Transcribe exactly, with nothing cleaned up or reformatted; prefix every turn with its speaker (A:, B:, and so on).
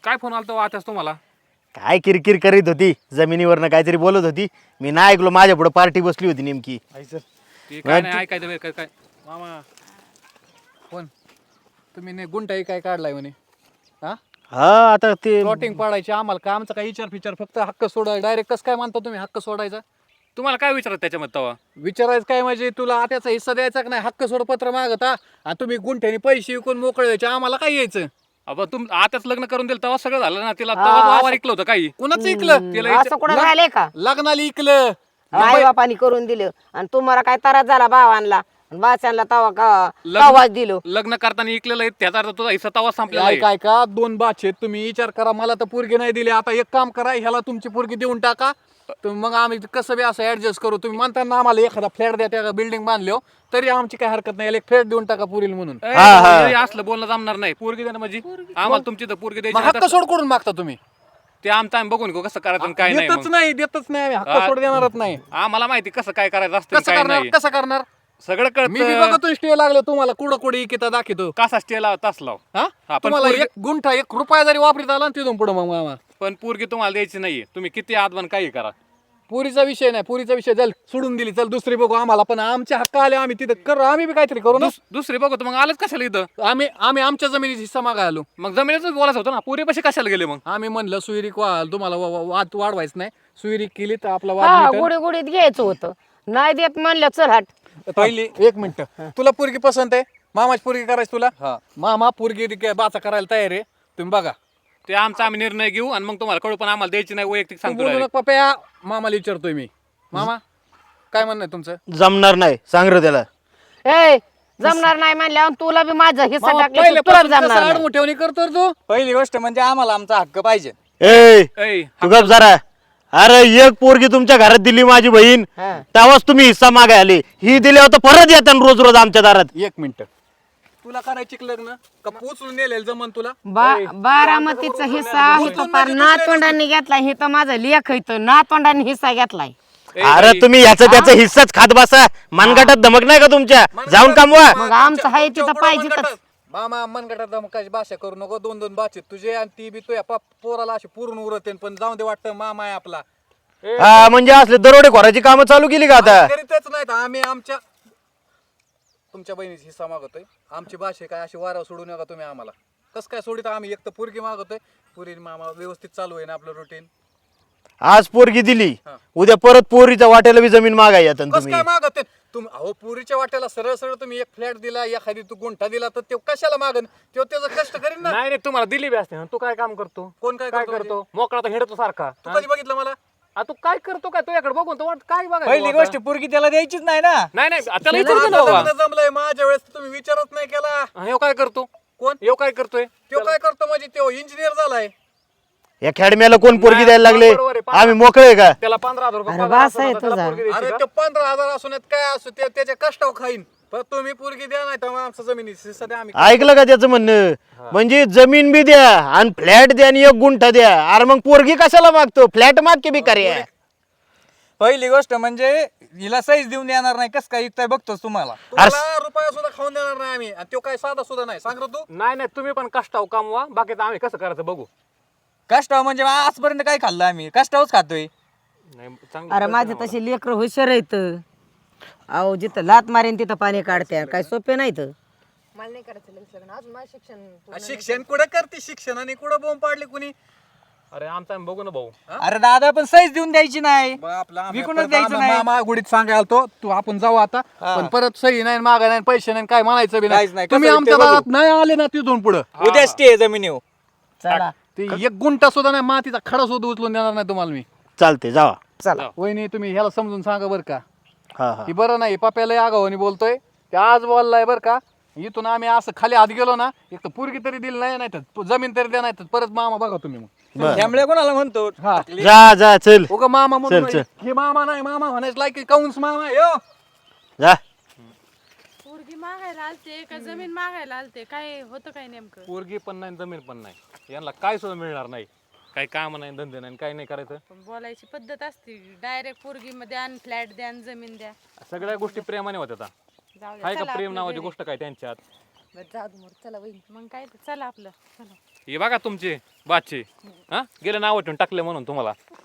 A: काय फोन आलता आताच तुम्हाला?
B: काय किरकिर करीत होती जमिनीवरनं काहीतरी बोलत होती. मी नाही ऐकलो, माझ्या पुढे पार्टी बसली होती नेमकी.
A: ते काय नाही ऐकायचं बरं, काय काय
C: मामा कोण तुम्ही ने गुंठाई काय काढलाय म्हणे? हा
B: हा आता ते
C: प्लॉटिंग पाडायची आम्हाला काय, आमचा काय विचार फिचार, फक्त हक्क सोडाय डायरेक्ट कसं काय मानता तुम्ही हक्क सोडायचा?
A: तुम्हाला काय विचारत त्याच्यामध्ये तवा?
C: विचारायचं काय म्हणजे तुला त्याचा हिस्सा द्यायचा का नाही? हक्क सोड पत्र मागता आणि तुम्ही गुंठ्याने पैसे विकून मोकळे व्हायचे, आम्हाला काय यायचं?
A: अब तुम आताच लग्न करून दिलं तेव्हा सगळं झालं ना. तिला तेव्हा वावर ऐकलं होतं काही.
C: कुणाचं ऐकलं?
A: तिला
D: असं कुठं राहिले का?
C: लग्नाला ऐकलं.
D: आई बापानी करून दिलं आणि तुम्हाला काय त्रास झाला भावांना बाच्यांना तवा का
A: लग्न-
D: तवाच दिलो.
A: लग्न करताना ऐकलेलं आहे, त्याचा अर्थ तुझा हिस्सा तवा संपलेला
C: काय
A: आहे.
C: काय का दोन बाच आहेत, तुम्ही विचार करा. मला तर पोरगी नाही दिली, आता एक काम करा, ह्याला तुमची पोरगी देऊन टाका. तर मग आम्ही कसं बी असं ऍडजस्ट करू. तुम्ही म्हणता ना आम्हाला एखादा फ्लॅट द्या, त्या बिल्डिंग बांधलो तरी आमची काय हरकत नाही, याला एक फ्लॅट देऊन टाका पुरील म्हणून.
A: ए,
B: हा, हा.
A: हे असलं बोलणं जमणार नाही. पोरगी देणं म्हणजे आम्हाला तुमची तर पोरगी
C: मग
A: द्यायची
C: हक्क
A: नाही
C: सोड करून मागता तुम्ही?
A: तर ते आमचं आम्ही बघून घेऊ कसं करायचं आणि काय नाही.
C: देतच
A: मग.
C: नाही, देतच नाही आम्ही, हक्क
A: हा.
C: सोड देणारच नाही.
A: आम्हाला माहिती कसं काय करायचं असतं
C: कसं
A: काय
C: करणार?
A: नाही.
C: कसं करणार?
A: सगळं
C: मी बी
A: कळत.
C: बघतो स्टे लागलो तुम्हाला, कुठं कुठे इकिता दाखवतो.
A: कसा स्टे लाव तास लाव.
C: हा
A: हा, पण
C: तुम्हाला
A: पोरगी-
C: एक गुंठा एक रुपया जरी वापरीत आला ना तिथून पुढे मग मामा
A: पण पोरगी तुम्हाला द्यायची नाहीये. तुम्ही किती आदवन काही करा.
C: पुरीचा विषय नाही, पुरीचा विषय चल सोडून दिली, चल दुसरी बघू. आम्हाला पण आमचे हक्क आले, आम्ही तिथे करू, आम्ही बी काहीतरी करू ना.
A: दुस- दुसरी बघू तर मग आलंच कशाला इथं?
C: आम्ही आम्ही आमच्या जमिनीचा हिस्सा मागाय आलो.
A: मग जमिनीच बोलायचं होतं ना. पोरी पशी कशाला गेले मग?
C: आम्ही म्हणलं सुविरिक वा तुम्हाला वा- वा- वाद वाढवायचं नाही, सुविरिक केली तर आपला वाद
D: हा
C: मिटेल.
D: गुढी गुढीत घ्यायचं होतं, नाही देत म्हणलं चल हट.
C: पहिली एक मिनिट, तुला पोरगी पसंत आहे? मामाची पोरगी करायची तुला? मामा पोरगी रिक- बाचा करायला तयार आहे, तुम्ही बघा.
A: ते आमचा आम्ही निर्णय घेऊ आणि मग तुम्हाला कळू, पण आम्हाला द्यायची नाही वैयक्तिक
C: तू
A: सांगतो
C: बोलू
A: direct.
C: नका पप्या, मामाला विचारतोय मी. मामा काय म्हणणं आहे तुमचं?
B: जमणार नाही, सांग रे त्याला.
D: ए जमणार नाही म्हणल्यावर तुला बी माझा हिस्सा
C: मामा,
D: टाकला तुला
C: पहिल्यापासून
D: जमणार
C: कसं
D: नाही.
C: आडमुठेवणी करतो रे तू?
E: पहिली गोष्ट म्हणजे आम्हाला आमचा हक्क पाहिजे.
B: ए
A: ऐ,
B: तू गप जरा. अरे एक पोरगी तुमच्या घरात दिली माझी बहीण,
D: हा.
B: तेव्हाच तुम्ही हिस्सा मागाय आले. ही दिल्यावर तर परत येतात रोज रोज आमच्या दारात.
C: एक मिनिट, तुला करायची का लग्न का पोचून नेलेलं जमन तुला?
D: बा- बारामतीचा हिस्सा इथं पार नातवंडांनी घेतलाय, हे तर माझं लेख इथं नातवंडांनी हिस्सा घेतलाय.
A: ऐ,
B: अरे
A: बाई,
B: तुम्ही ह्याचं त्याचं हिस्साच खात बसा. मनगटात धमक नाही का तुमच्या? जाऊन कामवा.
D: मग आमचं आहे तिथं पाहिजेतच.
C: मामा मनगटात धमकाची भाषा करू नको. दोन दोन बाचे तुझे आणि ती बी तुझ्या पा- पोराला अशी पूर्ण उरते, पण जाऊन दे, वाटतं मामा आहे आपला.
B: हा म्हणजे असले दरोडे खोराची कामं चालू केली का आता?
C: करीतच नाहीत आम्ही. आमच्या तुमच्या बहिणीचा हिस्सा मागतोय. आमची भाषा काय अशी वारा सोडू नका तुम्ही आम्हाला. कसं काय सोडित? आम्ही एक तर पोरगी मागतोय, पुरी मामा व्यवस्थित चालू आहे ना आपलं रुटीन.
B: आज पोरगी दिली,
C: हा.
B: उद्या परत पोरीच्या वाट्याला बी जमीन मागाय येतात
C: कसं
B: तुम्ही.
C: काय मागत तुम्ही? अहो पुरीच्या वाट्याला सरळ सरळ तुम्ही एक फ्लॅट दिला, एखादी तू गुंठा दिला, तर ते कशाला मागन? तो त्याचं कष्ट करीन ना.
A: नाही नाही, तुम्हाला दिली बी असते ना. तू काय काम करतो?
C: कोण काय
A: काय
C: करतो
A: करतो? मोकळा तर हिंडतो सारखा.
C: तू कधी बघितलं मला?
A: आ, तू काय करतो काय? तुझ्याकडे बघून तो वाट काय बघायचं
E: पहिली
A: आता?
E: गोष्ट पोरगी त्याला द्यायचीच नाही ना.
A: नाही नाही, त्याला विचारतो ना
C: माझं
A: बाबा.
C: लग्न जमलंय, माझ्या वेळेस तुम्ही विचारच नाही केला.
A: हा, ह्यो काय करतो?
C: कोण?
A: ह्यो काय करतोय?
C: तो काय करतो म्हणजे? तो इंजिनियर झालाय.
B: या खेडम्याला कोण पोरगी द्यायला लागले?
A: बरोबर आहे.
B: आम्ही मोकळे का?
A: त्याला पंधरा हजार रुपये
D: अरे
A: पगार
D: वास
A: असतो ना,
D: आहे
A: त्याला
D: तुझा.
A: पोरगी द्यायची
C: अरे
A: का?
C: ते पंधरा हजार असून काय असो, ते त्याच्या कष्टावर खाईन. पण तुम्ही पोरगी द्या, नाही तर मग आमचं जमिनी सध्या आम्ही
B: ऐकलं का त्याचं म्हणणं? म्हणजे जमीन बी द्या आणि फ्लॅट द्या आणि एक गुंठा द्या. अरे मग पोरगी कशाला मागतो? फ्लॅट माग की बी कार्य.
E: पहिली गोष्ट म्हणजे हिला साईज देऊन देणार नाही. कस काय विकताय बघतोच तुम्हाला.
C: तुम्हाला रुपया सुद्धा खाऊन देणार नाही आम्ही. आणि तो काय साधा सुद्धा नाही. सांग रे तू.
A: नाही नाही, तुम्ही पण कष्टाव कामवा, बाकीचं आम्ही कसं करायचं बघू.
E: कष्टाव म्हणजे आजपर्यंत काय खाल्लं आम्ही? कष्टावच खातोय.
A: नाही, चांगलं
D: अरे
A: कळतं
D: माझे
A: ना
D: तसे लेकर हुशार आहेत. अहो जिथं लात मारेन तिथं पाणी काढते, काय सोपे नाहीत.
F: मला नाही करायचं लग्न अजून माझं शिक्षण पूर्ण
C: शिक्षण कुठं करते? शिक्षणाने कुठं बोंब पाडली कुणी?
A: मला. अरे आमचं आम्ही बघू ना भाऊ.
E: अरे दादा पण साईज देऊन द्यायची नाही.
C: बघ आपला आम्ही
E: विकूनच
C: परत
E: द्यायचं
C: आम्ही
E: नाही.
C: मामा गुडीत सांगायला तो तू आपण जाऊ आता. पण परत सही नाही, मागा नाही, पैसे नाही, काय म्हणायचं बी
E: काहीच
C: नाही.
E: नाही.
C: तुम्ही
E: कसं
C: आमच्या
E: ते बघू.
C: दारात नाही आले ना तिथून पुढं
E: उद्या स्टे जमिनीवर.
D: चला
C: ते एक गुंठा सुद्धा नाही, मातीचा खडा सुद्धा उचलून देणार नाही तुम्हाला मी.
B: चालते जावा.
D: चला
C: वहिनी तुम्ही ह्याला समजून सांगा बरं का.
B: हा हा
C: ही बरं नाही, पप्याला आगावानी बोलतोय. ते आज बोललाय बरं का. इथून आम्ही असं खाली हात गेलो ना, एक तर पोरगी तरी दिली नाही, नाही तर जमीन तरी द्या, नाही तर परत मामा बघा तुम्ही मग.
B: बरं.
E: त्यामुळे कोणाला म्हणतो?
C: हा
B: जा जा चल
C: उगा मामा म्हणून
B: चल, चल.
C: हे मामा नाही, मामा म्हणायचं लायकी काऊन्स मामा यो.
B: जा.
F: पोरगी मागायला आलते का जमीन मागायला आलते? काय होतं काय नेमकं?
A: पोरगी पण नाही, जमीन पण नाही, यांना काय सुद्धा मिळणार नाही. काही काम नाही, धंदे नाही, काही नाही करायचं.
F: पण बोलायची पद्धत असते, डायरेक्ट पोरगी मध्ये आण, फ्लॅट द्या आणि जमीन द्या.
A: सगळ्या गोष्टी प्रेमाने होत्या आता.
F: जाऊ द्या,
A: आहे
F: चला
A: का प्रेम
F: आपलं
A: नावाची
F: घरी.
A: गोष्ट काय त्यांच्यात?
F: बरं, जाऊ दे मोर, चला वहीन. मग काय ते, चला आपलं, चला.
A: हे बघा तुमचे बादशे हा गेले नाव ठेवून टाकले म्हणून तुम्हाला